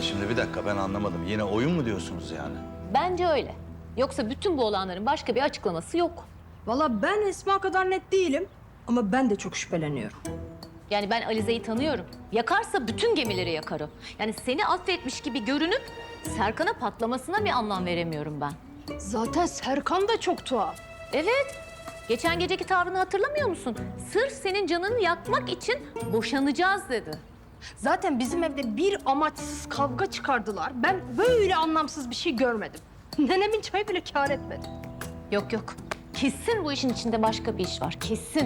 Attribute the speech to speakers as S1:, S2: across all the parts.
S1: şimdi bir dakika ben anlamadım. Yine oyun mu diyorsunuz yani?
S2: Bence öyle. Yoksa bütün bu olanların başka bir açıklaması yok.
S3: Vallahi ben Esma kadar net değilim ama ben de çok şüpheleniyorum.
S2: Yani ben Alize'yi tanıyorum. Yakarsa bütün gemileri yakar o. Yani seni affetmiş gibi görünüp Serkan'a patlamasına bir anlam veremiyorum ben.
S3: Zaten Serkan da çok tuhaf.
S2: Evet. Geçen geceki tavrını hatırlamıyor musun? Sırf senin canını yakmak için boşanacağız dedi.
S3: Zaten bizim evde bir amaçsız kavga çıkardılar. Ben böyle anlamsız bir şey görmedim. Nenemin çayı bile kâr etmedi.
S2: Yok yok. Kesin bu işin içinde başka bir iş var. Kesin.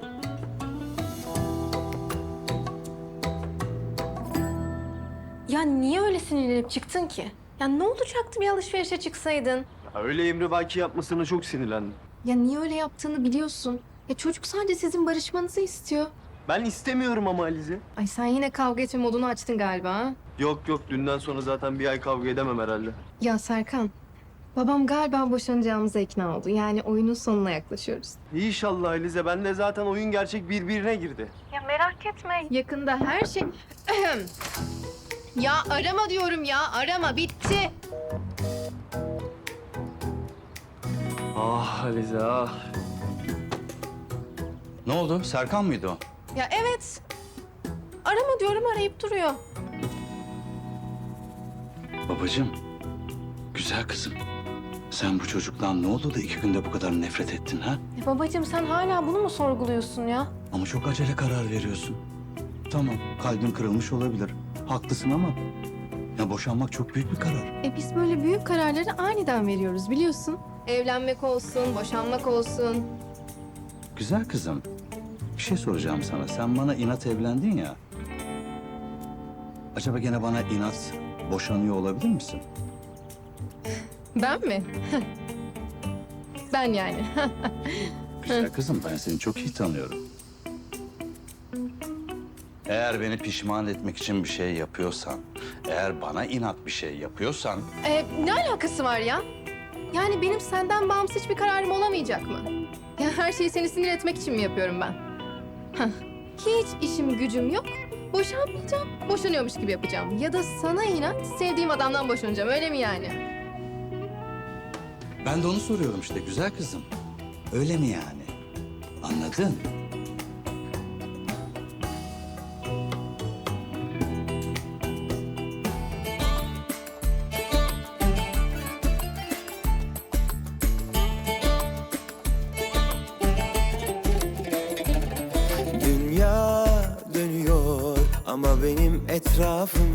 S4: Ya niye öyle sinirlenip çıktın ki? Ya ne olacaktı bir alışverişe çıksaydın?
S5: Ya öyle emrivaki yapmasına çok sinirlendim.
S4: Ya niye öyle yaptığını biliyorsun. Ya çocuk sadece sizin barışmanızı istiyor.
S5: Ben istemiyorum ama Alize.
S4: Ay sen yine kavga etme modunu açtın galiba ha?
S5: Yok yok, dünden sonra zaten bir ay kavga edemem herhalde.
S4: Ya Serkan, babam galiba boşanacağımıza ikna oldu. Yani oyunun sonuna yaklaşıyoruz.
S5: İnşallah Alize, ben de zaten oyun gerçek birbirine girdi.
S4: Ya merak etme. Yakında her şey... Ya arama diyorum ya, arama. Bitti.
S5: Ah Alize ah.
S1: Ne oldu? Serkan mıydı o?
S4: Ya evet. Arama diyorum, arayıp duruyor.
S1: Babacığım, güzel kızım. Sen bu çocuktan ne oldu da 2 günde bu kadar nefret ettin ha?
S4: Ya babacığım sen hala bunu mu sorguluyorsun ya?
S1: Ama çok acele karar veriyorsun. Tamam, kalbin kırılmış olabilir. Haklısın ama ya boşanmak çok büyük bir karar.
S4: Biz böyle büyük kararları aniden veriyoruz biliyorsun. Evlenmek olsun, boşanmak olsun.
S1: Güzel kızım, bir şey soracağım sana. Sen bana inat evlendin ya. Acaba gene bana inat boşanıyor olabilir misin?
S4: Ben mi? Ben yani.
S1: Güzel kızım, ben seni çok iyi tanıyorum. Eğer beni pişman etmek için bir şey yapıyorsan, eğer bana inat bir şey yapıyorsan...
S4: Ne alakası var ya? Yani benim senden bağımsız hiçbir kararım olamayacak mı? Ya her şeyi seni sinir etmek için mi yapıyorum ben? Hah, hiç işim gücüm yok. Boşanmayacağım, boşanıyormuş gibi yapacağım. Ya da sana inat sevdiğim adamdan boşanacağım, öyle mi yani?
S1: Ben de onu soruyorum işte güzel kızım. Öyle mi yani? Anladın?
S6: Dünya dönüyor ama benim etrafım